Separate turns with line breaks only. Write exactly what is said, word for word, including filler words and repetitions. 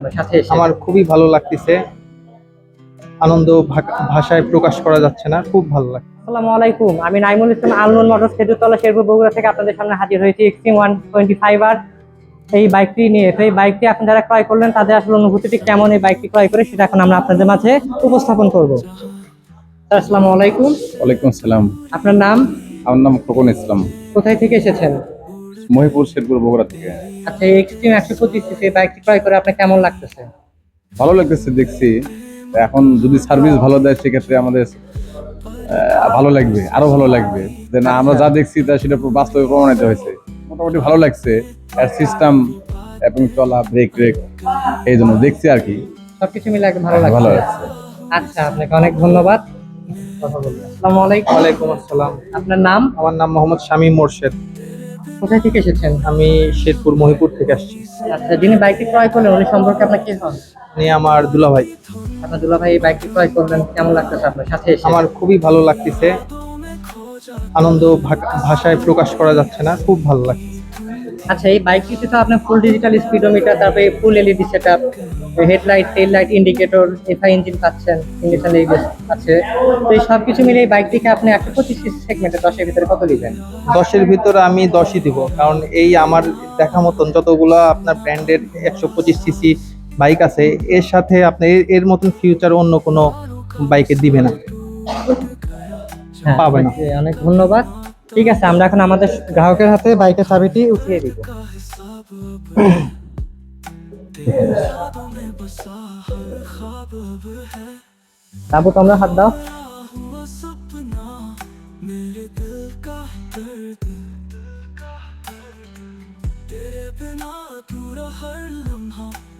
সাথে এসে
আমার খুবই ভালো লাগতেছে। আনন্দ ভা- ভাষায় প্রকাশ করা যাচ্ছে না, খুব ভালো লাগছে।
আসসালামু আলাইকুম, আমি নাইমুল ইসলাম আলনুন মোটরস খেজুরতলা শেরপুর বগুড়া থেকে আপনাদের সামনে হাজির হয়েছি এক্সট্রিম ওয়ান টোয়েন্টি ফাইভ আর এই বাইকটি নিয়ে। তো এই বাইকটি আপনি যারা ক্রয় করলেন তাদের আসলে অনুভূতিটি কেমন এই বাইকটি ক্রয় করে সেটা এখন আমরা আপনাদের মাঝে উপস্থাপন করব। স্যার, আসসালামু আলাইকুম।
ওয়ালাইকুম আসসালাম।
আপনার নাম?
আমার নাম খোকন ইসলাম,
কোথায় থেকে এসেছেন?
মহিপুর শেরপুর বগুড়া থেকে।
আচ্ছা, এই এক্সট্রিম একশো পঁচিশ সিসি এই বাইকটি ক্রয় করে আপনার কেমন লাগতেছে?
ভালো লাগতেছে দেখছি। এখন যদি সার্ভিস ভালো দেয় সেক্ষেত্রে আমাদের আহ, ভালো লাগবে, আরো ভালো লাগবে যে না আমরা যা দেখছি তা সেটা বাস্তবে প্রমাণিত হয়েছে। মোটামুটি ভালো লাগছে এর সিস্টেম এবং চলা ব্রেক ব্রেক এই জন্য দেখছি আর কি।
সবকিছু মিলে একদম ভালো
ভালো
লাগছে।
লাগছে।
আচ্ছা, আপনাকে অনেক ধন্যবাদ। কথা বলবেন। আসসালামু আলাইকুম।
ওয়ালাইকুম আসসালাম।
আপনার নাম?
আমার নাম মোহাম্মদ শামীম মোর্শেদ।
কোথায় থেকে এসেছেন?
আমি শেরপুর মহিপুর থেকে আসছি।
আচ্ছা, যিনি বাইকটি ক্রয় করলেন উনি সম্পর্কে আপনার কি হন?
উনি আমার দুলাভাই।
আপনার দুলা ভাই এই বাইকটি ক্রয় করলেন, কেমন লাগতেছে আপনার সাথে এসে?
আমার খুবই ভালো লাগতেছে। আনন্দ ভা- ভাষায় প্রকাশ করা যাচ্ছে না, খুব ভালো লাগছে।
আচ্ছা, এই বাইকটিতে তো আপনার ফুল ডিজিটাল স্পিডোমিটার, তারপরে full LED setup, headlight, tail light, indicator, FI engine পাচ্ছেন, ইন্ডিকেশন এইগুলো আছে। তো এই সব কিছু মিলে এই বাইকটিকে আপনি একশো পঁচিশ সিসি সেগমেন্টে দশের ভিতরে কত দিবেন?
দশের ভিতরে আমি দশই দিব, কারণ এই আমার দেখা মতন যতগুলো আপনার ব্র্যান্ডের একশো পঁচিশ সিসি বাইক আছে এর সাথে আপনি এর- এর মতন ফিউচার অন্য কোনো বাইকে দিবে না,
হ্যাঁ,
পাবে না।
জি, অনেক ধন্যবাদ। ঠিক আছে, আমরা এখন আমাদের গ্রাহকের হাতে বাইকের চাবিটি উঠিয়ে দিব। তাবু তোমরা হাত দাও।
तेरे बिना अधूरा हर लम्हा